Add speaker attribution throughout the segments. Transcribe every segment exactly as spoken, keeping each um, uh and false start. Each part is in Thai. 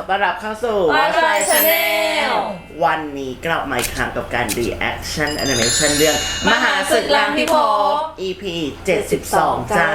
Speaker 1: อต้อนรับเข้าสู่
Speaker 2: What's My Channel
Speaker 1: วันนี้กลับมาอีกครั้งกับการ reaction animation เรื่อง
Speaker 2: มหาศึกล้างพิภพ
Speaker 1: อี พี เจ็ดสิบสอง จ้า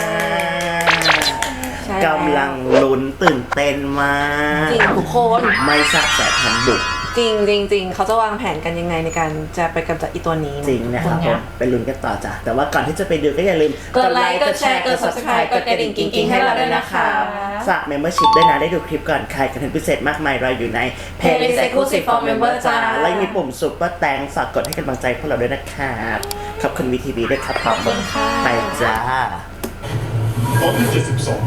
Speaker 2: ใช่
Speaker 1: กำลังลุ้นตื่นเต้นมาก
Speaker 2: จริงทุกคน
Speaker 1: ไม่ทราบสายพันธุ์บุก
Speaker 2: จริงจริงจริงเขาจะวางแผนกันยังไงในการจะไปกำจัดอีตัวนี้
Speaker 1: จริงนะครับผมไปลุ้นกันต่อจ้ะแต่ว่าก่อนที่จะไปดูก็อย่าลืม
Speaker 2: กดไลค์กดแชร์กด Subscribe กดกระดิ่งกิ๊งๆให้เราด้วยนะคะ
Speaker 1: ฝาก membership ด้วยนะได้ดูคลิปก่อนใครกันพิเศษมากมายรออยู่ใน
Speaker 2: Playlist Exclusive for Member จ้า
Speaker 1: และมีปุ่ม Super Thanks ฝากกดให้กำลังใจพวกเราด้วยนะครับขอบคุณ วี ที วี ด้วยครับ
Speaker 2: ขอบคุณค่ะ
Speaker 1: ไปจ้า
Speaker 3: ตอนที่เจ็ดสิบสอง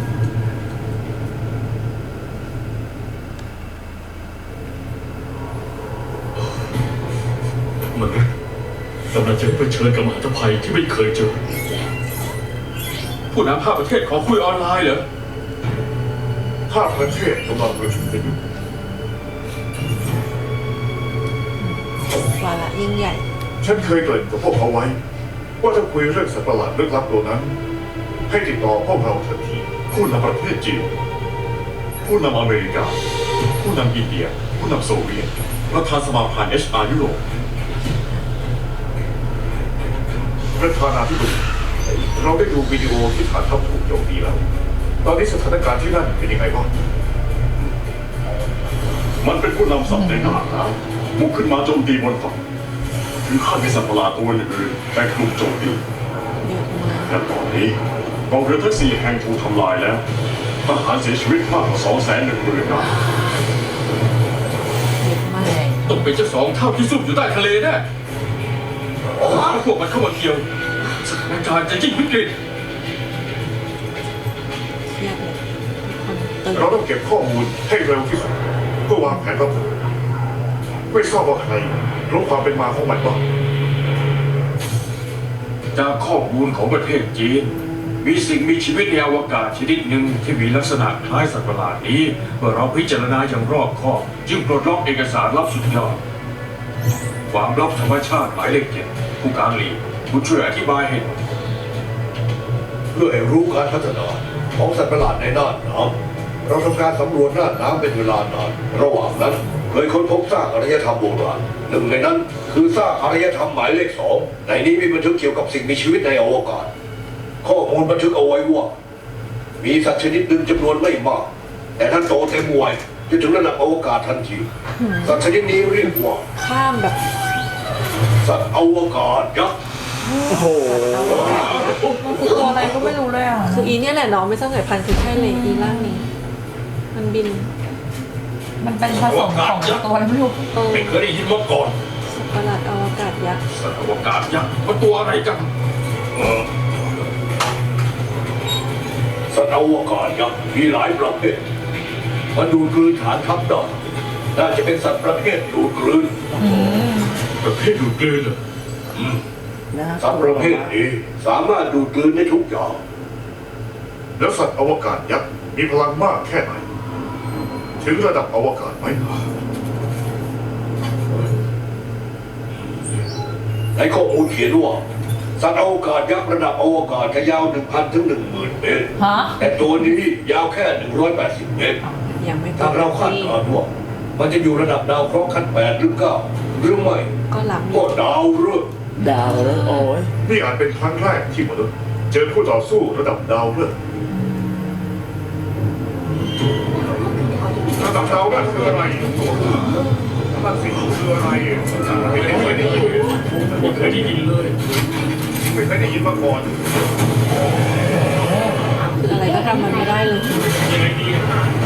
Speaker 3: มันกำลังจะเผชิญกับมหาภัยที่ไม่เคยเจอผู้นำภาคประเทศขอคุยออนไลน์เหรอภาคประเทศกำลังประชุมกันอยู่
Speaker 2: วาระยิ่งใหญ่
Speaker 3: ฉันเคยเกริ่นกับพวกเขาไว้ ว่าถ้าคุยเรื่องสัตว์ประหลาดลึกลับตัวนั้น ให้ติดต่อพวกเราทันทีผู้นำประเทศจีนผู้นำอเมริกา ผู้นำอินเดีย ผู้นำโซเวียตประธานสมาพันธ์ เอช อาร์ ยุโรปประธานาธิบดีเราได้ดูวิดีโอที่ฐานทัพถูกโจมตีแล้ว ตอนนี้สถานการณ์ที่นั่นเป็นยังไงบ้างมันเป็นผู้นำสัตว์ในหน้าน้ำบุกขึ้นมาโจมตีบนฝั่งถึงขั้นมีสัตว์ประหลาดตัวอื่นๆแต่กลุ่มโจมตี
Speaker 2: เยอะมาก
Speaker 3: และตอนนี้กองเรือทั้งสี่แห่งถูกทำลายแล้วทหารเสียชีวิตมากกว่าสองแสนหนึ่งหมื่นนาย
Speaker 2: เยอะมาก
Speaker 4: ต้องเป็นเจ้าสองเท่าที่ซุ่มอยู่ใต้ทะเลแน่ถ้าพวกมันเข้ามาเกี่ยวสถานการณ์จะยิ่งวิกฤต
Speaker 2: เครียดเลยทุกคนตื่น
Speaker 3: เราต้องเก็บข้อมูลให้เร็วที่สุดเพื่อวางแผนรับมือไม่ทราบว่าใครรู้ความเป็นมาของมันบ้าง
Speaker 4: จากข้อมูลของประเทศจีน มีสิ่งมีชีวิตในอวกาศชนิดหนึ่งที่มีลักษณะคล้ายสัตว์ประหลาดนี้เมื่อเราพิจารณาอย่างรอบคอบจึงปลดล็อกเอกสารลับสุดยอดความลับธรรมชาติหมายเลขเจ็ดผู้การหลีผู้ช่วยอธิบายให้หน่อย
Speaker 5: เพื่อให้รู้การพัฒนาของสัตว์ประหลาดในน่านน้ำเราทำการสำรวจน่านน้ำเป็นเวลานานระหว่างนั้นเคยค้นพบซากอารยธรรมโบราณหนึ่งในนั้นคือซากอารยธรรมหมายเลขสองในนี้มีบันทึกเกี่ยวกับสิ่งมีชีวิตในอวกาศ ข้อมูลบันทึกเอาไว้ว่ามีสัตว์ชนิดหนึ่งจำนวนไม่มาก แต่ท่านโตเต็มวัยจะถึงระดับอวกาศทันทีสัตว์ชนิดนี้เรียกว่า
Speaker 2: ข้ามแบบ
Speaker 5: สัตว์อวกาศยักษ์
Speaker 1: โอ้โห
Speaker 6: มันคือตัวอะไรก็ไม่รู้เลยอ่ะ
Speaker 2: คืออีเนี่ยแหละเน้องไม่ทราบสายพันธุ์คือใช่เลยอีร่างนี้ มันบิน
Speaker 6: มันเป็นผสมของตัวอะไรไม่รู้
Speaker 2: เออ
Speaker 4: ไม่เคยได้ยินมาก่อน
Speaker 2: สัตว์ประหลาดอวกาศยักษ์
Speaker 4: สัตว์อวกาศยักษ์มันตัวอะไรกัน
Speaker 5: สัตว์อวกาศยักษ์มีหลายประเภทมันดูดกลืนฐานทัพได้น่าจะเป็นสัตว์ประเภทดูดกลืน
Speaker 4: ประเภทดูดกลืนเหรอ
Speaker 1: น่า
Speaker 5: สัตว์ประเภทนี้สามารถดูดกลืนได้ทุกอย่าง
Speaker 3: แล้วสัตว์อวกาศยักษ์มีพลังมากแค่ไหน ถึงระดับอวกาศไหม
Speaker 5: ในข้อมูลเขียนว่าสัตว์อวกาศยักษ์ระดับอวกาศจะยาว หนึ่งพัน ถึง หนึ่งหมื่น เมตร
Speaker 6: ฮะ
Speaker 5: แต่ตัวนี้ยาวแค่ หนึ่งร้อยแปดสิบ เมตร
Speaker 2: ยังไม่
Speaker 5: ถ้าเราคาดการณ์ว่ามันจะอยู่ระดับดาวเคราะห์ขั้นแปดหรือเก้าหรือไม่
Speaker 2: ก็หลับ
Speaker 5: ก็ดาวฤกษ์
Speaker 1: ดาวแล้วโอ้ย
Speaker 3: นี่อาจเป็นครั้งแรกที่มนุษย์เจอคู่ต่อสู้ระดับดาวฤกษ์ระดับดาวฤกษ์คืออะไรนั่นสิคืออะไรไม่เคยได้ยิน
Speaker 4: ไม่เคยได้ยินเลย
Speaker 3: ไม่เคยได้ยินมาก่อน
Speaker 2: คืออะไรก็ทำมันไม่ได้เลย
Speaker 4: ยังไงดี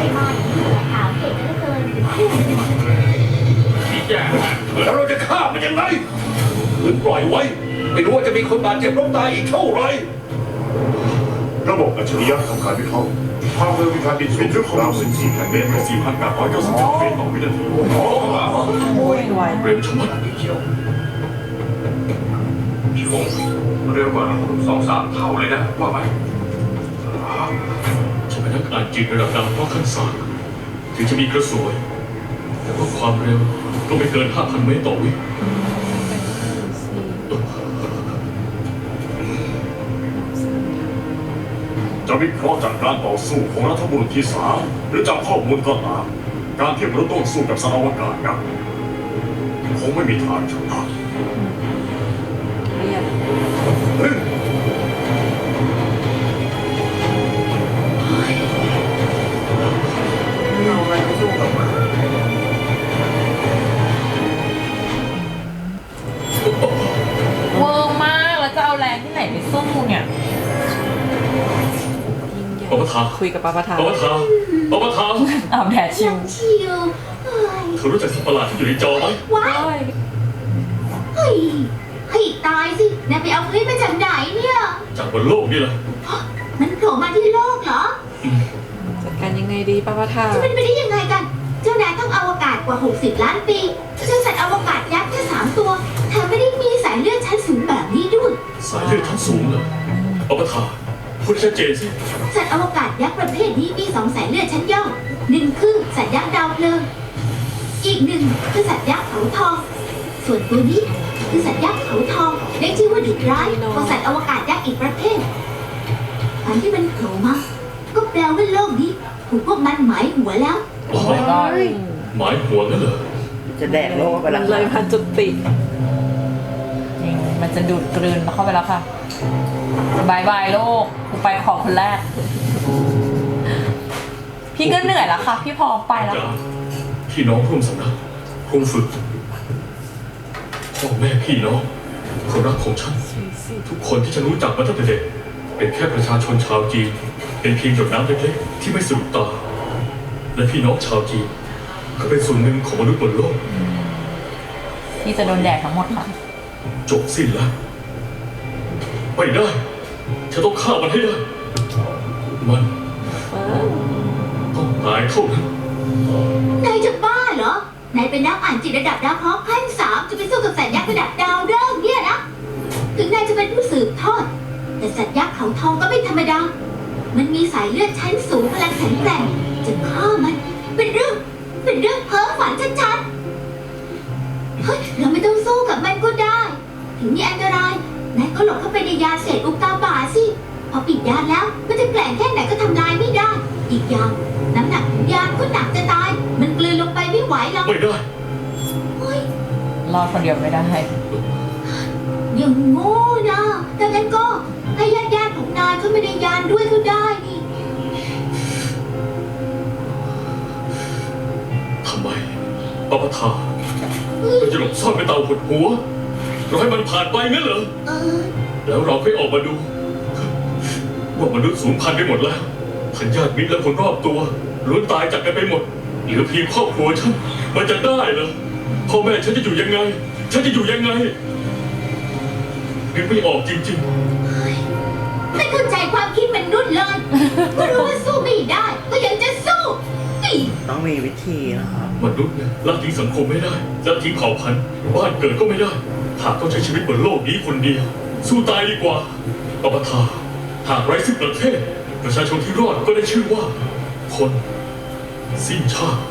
Speaker 4: นี่แย่
Speaker 5: แล้วเราจะฆ่ามันยังไงหรือปล่อยไว้ไม่รู้ว่าจะมีคนบาดเจ็บล้มตายอีกเท่าไหร่
Speaker 3: ระบบอัจฉริยะทำการวิเคราะห์ความเร็วมีการบินสูงถึงราวสิบสี่พันเมตรและสี่พันแปดร้อยเก้าสิบเจ็ดเมตรต่อวินาที
Speaker 6: โอ้ยไว
Speaker 4: เร็วชะมัดเกี่ยวชงเร็วกว่าสองสามเท่าเลยนะว่าไหมฉันเป็นนักอ่านจิตระดับดาวเพราะขั้นสามถึงจะมีกระสวย แต่ว่าความเร็วก็ไม่เกินห้าพันเมตรต่อวิ
Speaker 3: จะวิเคราะห์จากการต่อสู้ของรัฐบุรุษที่สามหรือจากข้อมูลก็ตามการที่มนุษย์ต้องสู้กับสารอวกาศนะคงไม่มีทางชนะ
Speaker 2: เรียบ
Speaker 3: เฮ้ย
Speaker 1: เอาอะไรมาสู้กับมัน
Speaker 6: เวอร์มากแล้วจะเอาแรงที่ไหนไปสู้เนี่ย
Speaker 2: ยิ่งใหญ่
Speaker 4: ปปท
Speaker 2: คุยกับปปท
Speaker 4: ปปทปปท
Speaker 6: เอาแดดชิว
Speaker 7: ชิวเฮ้ย
Speaker 4: เธอรู้จักสัตว์ประหลาดที่อยู่ในจอไหม
Speaker 7: ว้าย
Speaker 2: โอ้ย
Speaker 7: เฮ้ยเฮ้ยตายสินายไปเอาคลิปมาจากไหนเนี่ย
Speaker 4: จากบนโลกนี่แหละ
Speaker 7: มันโผล่มาที่โลกเหรอ
Speaker 2: จัดการยังไงดีปปท
Speaker 7: จะเป็นไปได้ยังไงกัน เจ้านายต้องอวกาศกว่า หกสิบ ล้านปี เจ้าสัตว์อวกาศยักษ์แค่สามตัวแถมไม่ได้มีสายเลือดชั้นสูงแบบนี้ด้วย
Speaker 4: สายเลือดชั้นสูงเลยปปทพูดให้ชัดเจนสิ
Speaker 7: สัตว์อวกาศยักษ์ประเภทนี้มีสองสายเลือดชั้นย่อมหนึ่งคือสัตว์ยักษ์ดาวเพลิง อีกหนึ่งคือสัตว์ยักษ์เขาทอง ส่วนตัวนี้คือสัตว์ยักษ์เขาทองได้ชื่อว่าดุร้ายของสัตว์อวกาศยักษ์อีกประเภทการที่มันโผล่มาก็แปลว่าโลกนี้ถูกพวกมันหมายหัวแล้ว
Speaker 4: อ๋อ
Speaker 6: my god
Speaker 4: หมายหัวนั่นเหรอ
Speaker 1: จะแดกโลกไป
Speaker 2: มั
Speaker 1: แล้ว
Speaker 2: นเลยพันจุดติด
Speaker 6: จริงมันจะดูดกลืนเข้าไปแล้วค่ะบายบายโลกกูไปขอคนแรก พี่ก็เหนื่อยแล้วค่ะ พี่พอไปแล้ว
Speaker 4: จาก
Speaker 6: ค่ะ
Speaker 4: พี่น้องร่วมสำนักครูฝึกพ่อแม่พี่น้องคนรักของฉัน ทุกคนที่ฉันรู้จักมาตั้งแต่เด็กเป็นแค่ประชาชนชาวจีน เป็นเพียงหยดน้ำเล็กๆที่ไม่สะดุดตา และพี่น้องชาวจีนก็เป็นส่วนหนึ่งของมนุษย์บนโลก
Speaker 6: ที่จะโดนแดดทั้งหมดค่ะ
Speaker 4: จบสิ้นแล้วไม่ได้ ฉันต้องฆ่ามันให้ได้ มันต้องตายเท่านั้น
Speaker 7: นายจะบ้าเหรอ นายเป็นนักอ่านจิตระดับดาวเคราะห์ขั้นสามจะไปสู้กับสัตว์ยักษ์ระดับดาวฤกษ์เนี่ยนะ ถึงนายจะเป็นผู้สืบทอด แต่สัตว์ยักษ์เขาทองก็ไม่ธรรมดา มันมีสายเลือดชั้นสูงพลังแข็งแกร่งจะฆ่ามัน เป็นเรื่อง เป็นเรื่องเพ้อฝันชัดๆ เฮ้ย เราไม่ต้องสู้กับมันก็ได้ ถึงมีอันตราย นายก็หลบเข้าไปในยานเศษอุกกาบาตสิ พอปิดยานแล้ว มันจะแกร่งแค่ไหนก็ทำลายไม่ได้ อีกอย่าง น้ำหนักของยานก็หนักจะตาย มันกลืนลงไปไม่ไหวหรอก
Speaker 4: ไม่ได้
Speaker 7: เฮ้ย
Speaker 6: รอดคนเดียวไม่ได้
Speaker 7: อย่างโง่นะแต่งั้นก็ให้ญาติญาติๆของนายเข้ามาในยานด้วยก็ได้นี่
Speaker 4: ทำไมปปทาเราจะหลบซ่อนไปเตาหดหัว เราให้มันผ่านไปงั้นเหรอ
Speaker 7: เออ
Speaker 4: แล้วเราค่อยออกมาดู ว่ามนุษย์สูญพันธุ์ไปหมดแล้วทันญาติมิตรและคนรอบตัวล้วนตายจากกันไปหมด เหลือเพียงครอบครัวฉัน มันจะได้เหรอพ่อแม่ฉันจะอยู่ยังไง ฉันจะอยู่ยังไงนึกไม่ออกจริง
Speaker 7: ไม่เข้าใจความคิดมนุษย์เลย ก็รู้ว่าสู้ไม่ได้ ก็ยังจะสู้นี่
Speaker 1: ต้องมีวิธีนะครับ
Speaker 4: ๆ มนุษย์เนี่ยละทิ้งสังคมไม่ได้ละทิ้งเผ่าพันธุ์บ้านเกิดก็ไม่ได้ หากต้องใช้ชีวิตบนโลกนี้คนเดียว สู้ตายดีกว่าปปทาหากไร้ซึ่งประเทศ ประชาชนที่รอดก็ได้ชื่อว่า คนสิ้นชาติ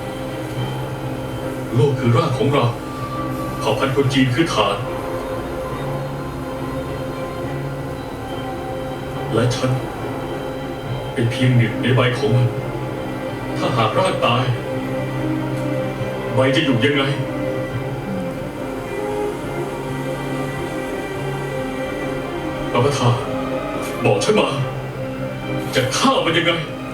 Speaker 4: โลกคือรากของเราเผ่าพันธุ์คนจีนคือฐาน และฉัน เป็นเพียงหนึ่งในใบของมัน ถ้าหากรากตาย ใบจะอยู่ยังไง ปปทาบอกฉันมา จะฆ่ามันยังไง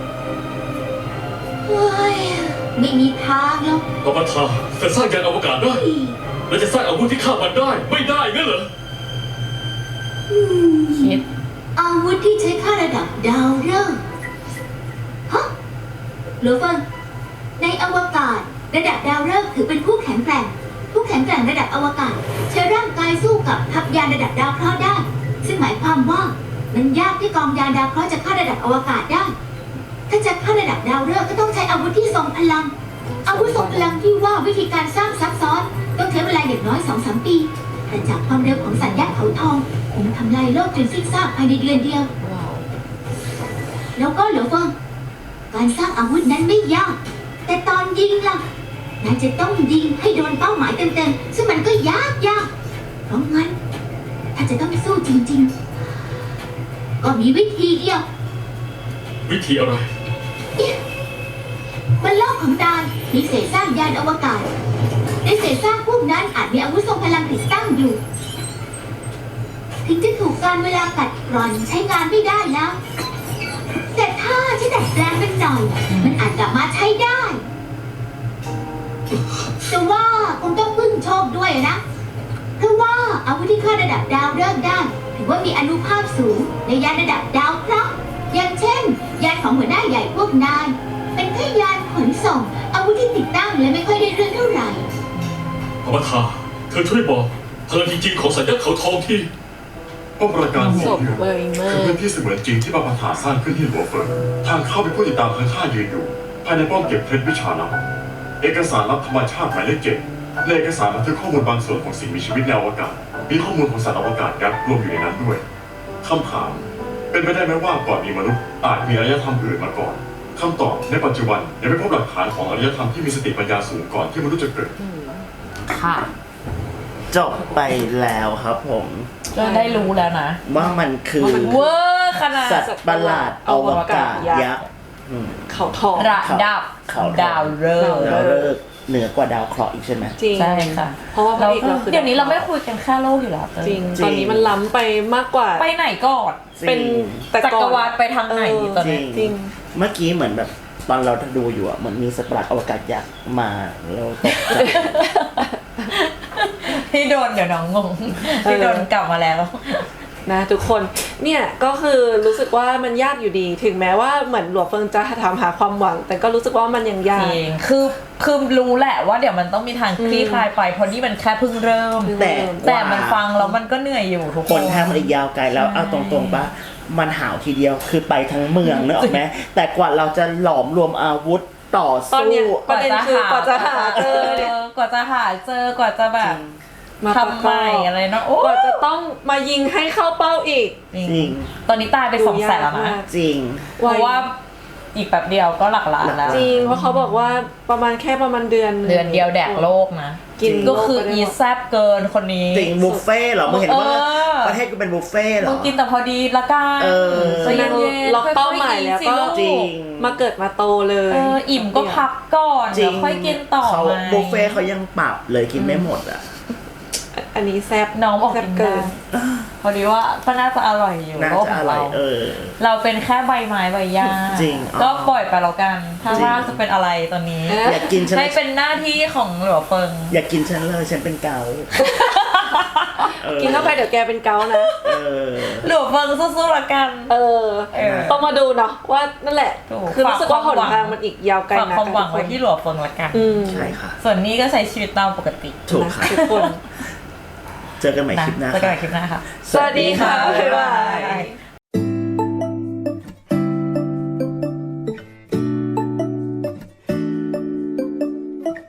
Speaker 7: เฮ้ยไม่มีทางหรอก
Speaker 4: ปปทาจะสร้างยานอวกาศได้ และจะสร้างอาวุธที่ฆ่ามันได้ ไม่ได้งั้นเหรอ
Speaker 6: คิด
Speaker 7: อาวุธที่ใช้ฆ่าระดับดาวฤกษ์ฮะหรือเฟิงในอวกาศ ระดับดาวฤกษ์ถือเป็นผู้แข็งแกร่ง ผู้แข็งแกร่งระดับอวกาศใช้ร่างกายสู้กับทัพยานระดับดาวเคราะห์ได้ ซึ่งหมายความว่ามันยากที่กองยานดาวเคราะห์จะฆ่าระดับอวกาศได้ ถ้าจะฆ่าระดับดาวฤกษ์ก็ต้องใช้อาวุธที่ทรงพลัง อาวุธทรงพลังที่ว่าวิธีการสร้างซับซ้อน ต้องใช้เวลาอย่างน้อยสองสามปี แต่จากความเร็วของสัตว์ยักษ์เขาทองคงทำลายโลกจนสิ้นซากภายในเดือนเดียว
Speaker 2: ว้าว
Speaker 7: แล้วก็เหลือเฟิงการสร้างอาวุธนั้นไม่ยาก แต่ตอนยิงล่ะนายจะต้องยิงให้โดนเป้าหมายเต็มๆซึ่งมันก็ยากยากเพราะงั้น ถ้าจะต้องสู้จริงๆ ก็มีวิธีเดียว
Speaker 4: วิธีอะไร
Speaker 7: บนโลกของนายมีเศษซากยานอวกาศในเศษซากพวกนั้นอาจมีอาวุธทรงพลังติดตั้งอยู่ ถึงจะถูกการเวลากัดกร่อนใช้งานไม่ได้แล้ว แต่ถ้าฉันดัดแปลงมันหน่อย มันอาจกลับมาใช้ได้ แต่ว่าคงต้องพึ่งโชคด้วยนะ เพราะว่าอาวุธที่ฆ่าระดับดาวเริ่มได้ถือว่ามีอานุภาพสูงในยานระดับดาวเคราะห์อย่างเช่น ยานของหัวหน้าใหญ่พวกนาย เป็นแค่ยานขนส่ง อาวุธที่ติดตั้งและไม่ค่อยได้เรื่องเท่าไหร่
Speaker 8: อมตะเธอช่วยบอกพลังจริงๆของสัญญาเขาทองที่
Speaker 3: ป้อมปราการ
Speaker 2: ศ
Speaker 3: โง่
Speaker 2: พ
Speaker 3: เหี้ย
Speaker 2: เบยเมอ
Speaker 3: คือ
Speaker 2: ร์
Speaker 3: พื้นที่เสมือนจริงที่บาปาถาสร้างขึ้นที่หัวเฟิงทางเข้าเป็นผู้ติดตามทางข้ายืนอยู่ ภายในป้อมเก็บเพชรวิชาลับเอกสารลับธรรมชาติหมายเลขเจ็ดในเอกสารบันทึกข้อมูลบางส่วนของสิ่งมีชีวิตในอวกาศ มีข้อมูลของสัตว์อวกาศยักษ์รวมอยู่ในนั้นด้วยคำถาม เป็นไปได้ไหมว่าก่อนมีมนุษย์อาจมีอารยธรรมอื่นมาก่อนคำตอบในปัจจุบันยังไม่พบหลักฐานของอารยธรรมที่มีสติปัญญาสูงก่อนที่มนุษย์จะเกิด
Speaker 6: ค่ะ
Speaker 1: จบไปแล้วครับผม
Speaker 6: ก็ได้รู้แล้วนะ
Speaker 1: ว่ามันคือ
Speaker 6: เวอร์ขนาด
Speaker 1: สัตว์ประหลาดอวกาศยักษ์อืม
Speaker 2: เขาทอง
Speaker 6: ระดับ
Speaker 1: เขาทอง
Speaker 6: ดาวฤกษ์
Speaker 1: ดาวฤกษ์เหนือกว่าดาวเคราะห์อีกใช่ไหม
Speaker 2: จริง
Speaker 6: ใช่ค่ะ
Speaker 2: เพราะว่าพระเอกเราคือ
Speaker 6: เดี๋ยวนี้เราไม่คุยกันแค่โลกอยู่แล้ว
Speaker 2: จริง
Speaker 1: จริง
Speaker 2: ตอนนี้มันล้ำไปมากกว่า
Speaker 6: ไปไหนก่อน
Speaker 2: เป็นแต่
Speaker 6: จั
Speaker 2: ก่
Speaker 6: ก
Speaker 2: อน
Speaker 6: รวาลไปทางไหนตอนนี้
Speaker 1: จริง
Speaker 2: จริง
Speaker 1: เมื่อกี้เหมือนแบบตอนเราดูอยู่อ่ะเหมือนมีสัตว์ประหลาดอวกาศยักษ์มาเราตกใจ
Speaker 6: ที่โดนเดี๋ยวน้องงงที่โดนกลับมาแล้ว
Speaker 2: นะทุกคนเนี่ยก็คือรู้สึกว่ามันยากอยู่ดี ถึงแม้ว่าเหมือนหลวงเฟิงจะถามหาความหวัง แต่ก็รู้สึกว่ามันยังยา
Speaker 6: จ
Speaker 2: ก
Speaker 6: ริงคือคือรู้แหละว่าเดี๋ยวมันต้องมีทางคลี่คลายไปเพราะนี่มันแค่เพิ่งเริ่ม
Speaker 1: แต่
Speaker 6: แต่มันฟังแล้วมันก็เหนื่อยอยู่ทุก
Speaker 1: ค
Speaker 6: คน น
Speaker 1: ทางมันอีกยาวไกลแล้วเอาตรงๆปะมันหาวทีเดียวคือไปทั้งเมืองนึกออกไหมแต่กว่าเราจะหลอมรวมอาวุธต่อ
Speaker 2: ตอน
Speaker 1: สู้
Speaker 2: เนี้ยประเด็นคือกว่าจะหาเจอเนี่ย
Speaker 6: กว่าจะหาเจอกว่าจะแบบทำใหม่อะไรเนาะโอ้
Speaker 2: กว่าจะต้องมายิงให้เข้าเป้าอีก
Speaker 6: จริง
Speaker 1: จริง
Speaker 6: ตอนนี้ตายไปสองแสนแล้วนะ
Speaker 1: จริง
Speaker 6: เพราะว่าอีกแป๊บเดียวก็หลักล้านแล้ว
Speaker 2: จริงเพราะเขาบอกว่าประมาณแค่ประมาณเดือน
Speaker 6: เดือนเดียวแดกโลกนะ
Speaker 2: กิน
Speaker 6: ก็คืออีแซบเกินคนนี้
Speaker 1: จริงบุฟเฟ่ต์เหรอมึงเห็นว่า
Speaker 6: เออ
Speaker 1: ประเทศกูเป็นบุฟเฟ่ต์เหร
Speaker 6: ต้
Speaker 1: อ
Speaker 6: องกินแต่พอดีละกัน
Speaker 1: เออ
Speaker 6: ใจเย็นๆ
Speaker 2: ล็อกเป้าหมายแล้วก็
Speaker 6: ค่อยๆ
Speaker 1: จริ
Speaker 6: สิ
Speaker 1: ง
Speaker 6: ลูก
Speaker 2: มาเกิดมาโตเลย
Speaker 6: เอออิ่มก็พักก่อน
Speaker 1: จริ
Speaker 6: เดี๋ย
Speaker 1: ง
Speaker 6: วค่อยกินต่อ
Speaker 1: เขา
Speaker 6: ไหม
Speaker 1: บุฟเฟ่ต์เขายังปรับเลยกินไม่หมดอ่ะ
Speaker 2: อันนี้แซบ
Speaker 6: น้องบอก
Speaker 2: แซบ
Speaker 6: กิน
Speaker 2: เกิ
Speaker 6: ได้
Speaker 2: น
Speaker 6: พอดีว่าก็น่าจะอร่อยอยู่
Speaker 1: น่า
Speaker 6: โลก
Speaker 1: จะ
Speaker 6: ข
Speaker 1: อ
Speaker 6: อง
Speaker 1: ร่อ
Speaker 6: เรา
Speaker 1: ยเออ
Speaker 6: เราเป็นแค่ใบไม้ใบหญ้า
Speaker 1: จริงอ๋อ
Speaker 6: ก็ปล่อยไปแล้วกัน ถ้า
Speaker 1: จริง
Speaker 6: ว่าจะเป็นอะไรตอนนี้
Speaker 1: อยากกินฉัน
Speaker 6: ให้เป็นหน้าที่ของหลวงเฟิง
Speaker 1: อยากกินฉันเลยฉันเป็นเกาต์เออ
Speaker 2: กินเข้าไปเดี๋ยวแกเป็นเกาต์นะ
Speaker 1: เออ
Speaker 6: หลวงเฟิงสู้ๆละกัน
Speaker 2: เออ
Speaker 6: เออ
Speaker 2: ต้องมาดูเนาะว่านั่นแหละ
Speaker 6: ถูก
Speaker 2: คือรู้สึกว่า
Speaker 6: ฝาก
Speaker 2: ห
Speaker 6: ความหวัง
Speaker 2: นทางมันอีกยาวไกล
Speaker 6: ฝาก
Speaker 2: นะ
Speaker 6: ความหวังไว้
Speaker 2: ทุกคน
Speaker 6: ที่หลวงเฟิงละกัน
Speaker 2: อืม
Speaker 1: ใช่ค่ะ
Speaker 6: ส่วนนี้ก็ใช้ชีวิตตามปกติ
Speaker 1: ถูกค่ะ
Speaker 2: ทุกคน
Speaker 1: เจอกันใหม่
Speaker 6: นะ
Speaker 1: คลิปหน้า
Speaker 6: เจอกันใหม่
Speaker 1: ค่ะ
Speaker 6: คลิปหน้าค่ะ
Speaker 2: สวัสดีค่ะ บ๊ายบาย
Speaker 6: บ๊ายบาย